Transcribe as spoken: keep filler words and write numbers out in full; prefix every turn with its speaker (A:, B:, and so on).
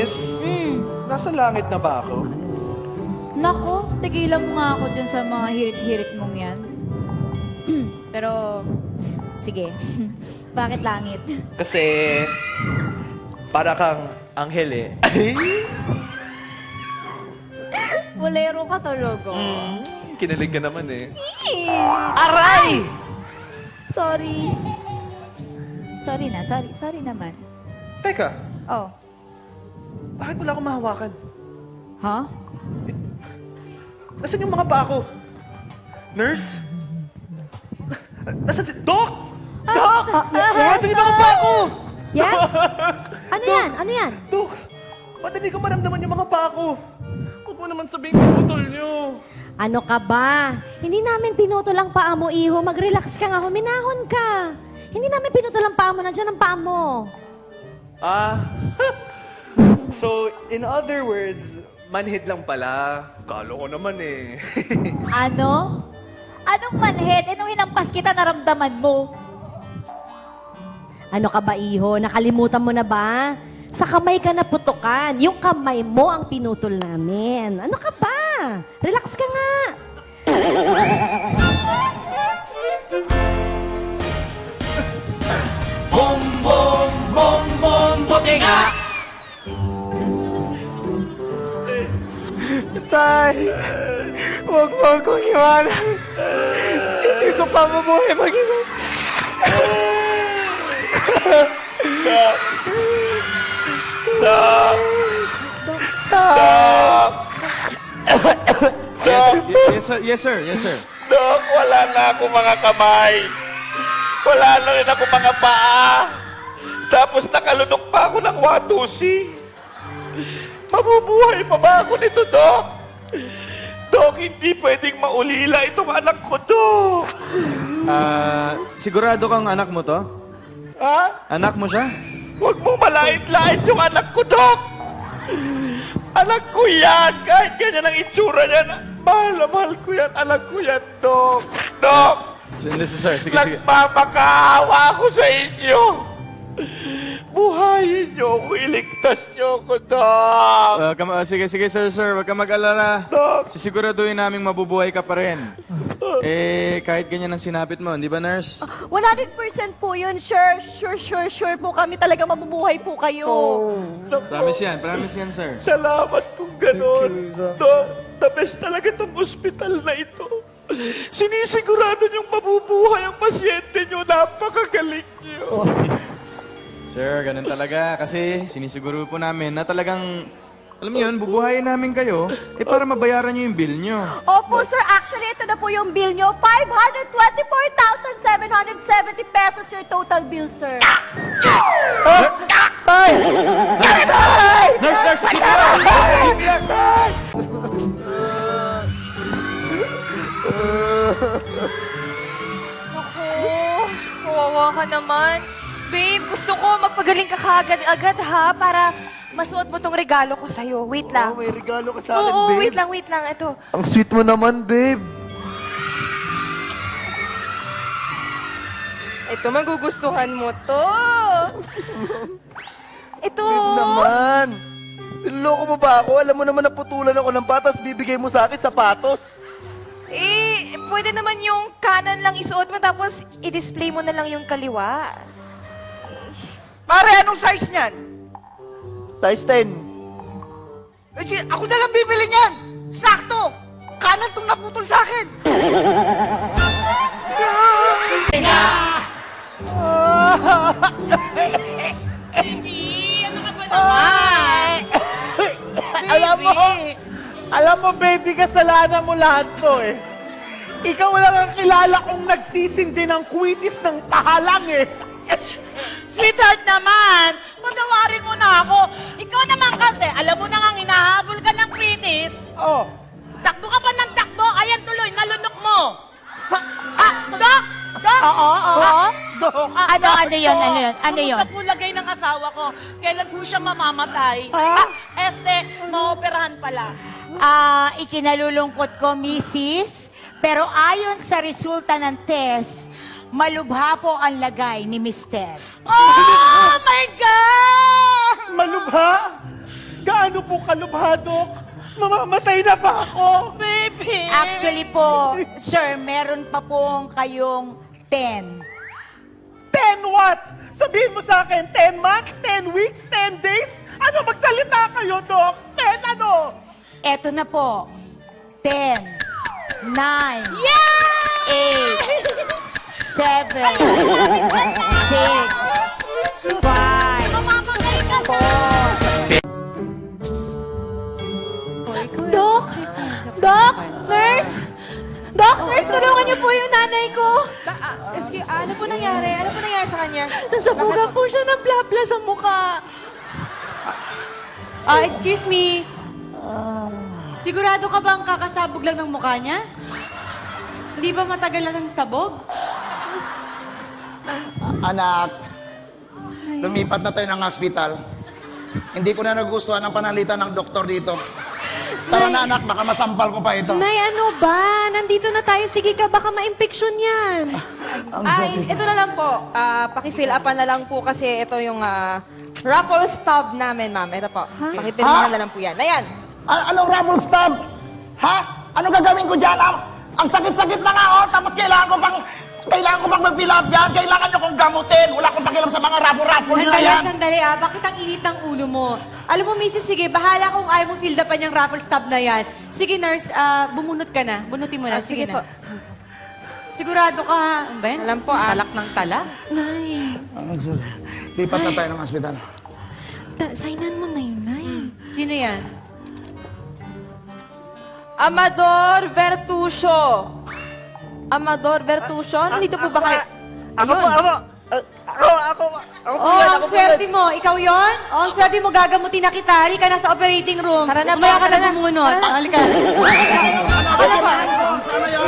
A: Miss,
B: Mm.
A: nasa langit na ba ako?
B: Nako, tigilan mo nga ako dyan sa mga hirit-hirit mong yan. Pero, sige. Bakit langit?
A: Kasi, para kang anghel eh.
B: Bolero ka talaga.
A: Mm, kinilig ka naman eh.
B: Aray! Sorry. Sorry na, sorry. Sorry naman.
A: Teka,
B: Oh.
A: bakit wala akong mahawakan?
B: Ha?
A: Nasaan yung mga paa ko? Nurse? Nasaan si... Doc! Doc! Nasaan yung mga paa ko?
C: Yes? Ano yan? Ano yan?
A: Doc! Ba't hindi ko maramdaman yung mga paa ko? Huwag mo naman sabihin pinutol nyo.
C: Ano ka ba? Hindi namin pinutol ang paa mo, iho. Mag-relax ka nga, huminahon ka. Hindi namin pinutol ang paa mo. Nandiyan ang paa mo.
A: Ah... So, in other words, manhid lang pala. Kalo ko naman eh.
B: Ano? Anong manhid? Eh, nung hinampas kita, naramdaman mo.
C: Ano ka ba, iho? Nakalimutan mo na ba? Sa kamay ka naputukan. Yung kamay mo ang pinutol namin. Ano ka ba? Relax ka nga.
D: Bom, bom, bom, bom, buti nga!
A: Tay! Huwag mo akong iwanan. Hindi ko pa mabuhay mag-isa.
D: Doc! Doc! Doc! Doc!
E: Yes, sir. Yes, sir. Yes, sir.
D: Doc, wala na ako mga kamay. Wala na rin ako mga paa. Tapos nakalunok pa ako ng watusi. Mabubuhay pa ba ako nito, Doc? Doc, hindi pwedeng maulila itong anak ko, Doc.
E: Ah, sigurado kang anak mo to?
D: Ha?
E: Anak mo siya?
D: Huwag mo malait-lait yung anak ko, Doc. Anak ko yan. Kahit ganyan ang itsura niyan. Mahal na mahal ko yan. Anak ko yan, Doc. Doc!
E: Hindi, sir. Sige, sige.
D: Nagpapakaawa ako sa inyo. Buhayin niyo ako. Iligtas niyo ako, Doc.
E: Uh, kam- uh, sige, sige, sir, sir. Huwag ka mag-alala.
D: Doc.
E: Sisiguraduhin naming mabubuhay ka pa rin. Eh, kahit ganyan ang sinapit mo, di ba, nurse?
C: one hundred percent po yun. Sure, sure, sure, sure po kami talaga mabubuhay po kayo.
D: Naku,
E: Promise yan, promise yan, sir.
D: salamat kung ganon. Doc, the best talaga itong ospital na ito. Sinisigurado niyong mabubuhay ang pasyente niyo. Napakagaling niyo.
E: Sir, ganun talaga. Kasi sinisiguro po namin na talagang, alam niyo yun, bubuhayin namin kayo eh para mabayaran niyo yung bill niyo.
C: Opo, sir. Actually, ito na po yung bill nyo. five hundred twenty-four thousand seven hundred seventy pesos your total bill, sir.
A: Tay!
E: Nurse, nurse, C P R! C P R!
F: Naku, kawawa ka naman. Babe, gusto ko magpagaling ka kaagad-agad ha, para masuot mo tong regalo ko sa'yo. Wait lang.
A: Oh, may regalo ka sa akin,
F: Oo,
A: babe.
F: wait lang, wait lang. Ito.
A: Ang sweet mo naman, babe.
F: Ito, magugustuhan mo to. Ito.
A: Babe naman. Niloloko mo ba ako? Alam mo naman naputulan ako ng patas, bibigay mo sa akin sapatos.
F: Eh, pwede naman yung kanan lang isuot mo, tapos i-display mo na lang yung kaliwa.
G: Pare, anong size niyan?
A: Size ten.
G: Eh, si, ako na lang bibili niyan. Sakto. Kanan tong naputol sa akin.
H: Baby, ano ka ba naman?
A: Alam mo, alam mo, baby, kasalanan mo lahat to eh. Ikaw lang ang kilala kong nagsisindi ng kwitis ng pahalang eh.
H: Sweetheart naman, patawarin mo na ako. Ikaw naman kasi, alam mo na nga hinahabol ka ng kritis.
A: Oh.
H: Takbo ka pa ng takbo, ayan tuloy, nalunok mo. Ah, Doc! Doc!
B: Oo, oo.
H: Ah,
B: Ano,
H: Doc,
B: ano yun,
H: ito,
B: ano yun, ano yun?
H: Kumusta po lagay ng asawa ko? Kailan po siya mamamatay?
B: Ha?
H: Ah, este, maoperahan pala.
B: Ah, ikinalulungkot ko, missis. Pero ayon sa resulta ng test, malubha po ang lagay ni Mister.
H: Oh my God!
A: Malubha? Gaano po kalubha, Dok? Mamamatay na ba ako?
H: Baby!
I: Actually po, sir, meron pa pong kayong ten.
A: Ten what? Sabihin mo sa akin, ten months, ten weeks, ten days? Ano, magsalita kayo, Dok? Ten ano?
I: Eto na po. ten, nine, eight, seven, six, five, four.
C: Dok! Dok! Nurse! Dok! Nurse, tulungan niyo po yung nanay ko!
F: Excuse, ano po nangyari? Ano po nangyari sa kanya?
C: Nasabugan po siya ng blabla sa mukha.
F: Ah, excuse me. Sigurado ka bang kakasabog lang ng mukha niya? Hindi ba matagal na ng sabog?
G: Anak, lumipat na tayo ng hospital. Hindi ko na nagustuhan ang panalitan ng doktor dito. Tara na anak, baka masampal ko pa ito.
C: Nay, ano ba? Nandito na tayo. Sige ka, baka ma-infection yan.
F: Ay, ito na lang po. Ah, paki-fill upan na lang po kasi ito yung ah, raffle stub namin, ma'am. Ito po. Pakipirmahan
G: Ha?
F: na lang po yan. Ayan.
G: A- anong rubber stamp? Ha? Ano gagawin ko dyan? Ang, ang sakit-sakit na nga, oh. Tapos kailangan ko pang... Kailangan ko pang mag-fill up yan. Kailangan nyo kong gamutin. Wala akong pakialam sa mga rubber-rubber nyo na
F: Sandali,
G: yan.
F: sandali ah. Bakit ang init ng ulo mo? Alam mo, missus, sige, bahala kung ayaw mo fill upan yung raffle stub na yan. Sige, nurse, ah, bumunot ka na. Bunutin mo na.
H: Ah,
F: sige,
H: sige po.
F: na. Sigurado ka, ha? Ano ba yan? Alam po, ah. Talak ng talak.
C: Nay,
G: Lipat na tayo ng hospital.
C: ta- signan mo na yun, Nay.
F: Sino yan? Amador Vertusio. Amador Vertusio? Nandito po ba kayo?
A: Ako po, ako. Ako, ako. Ako po
F: Oh,
A: yan,
F: ang
A: ako po
F: swerte
A: yan.
F: mo. Ikaw yon? Oh, ang swerte mo, gagamutin na kita. Halika na sa operating room. Tara na,
H: Umaya ka na,
F: bumunot.
A: Halika.
G: Sana yan.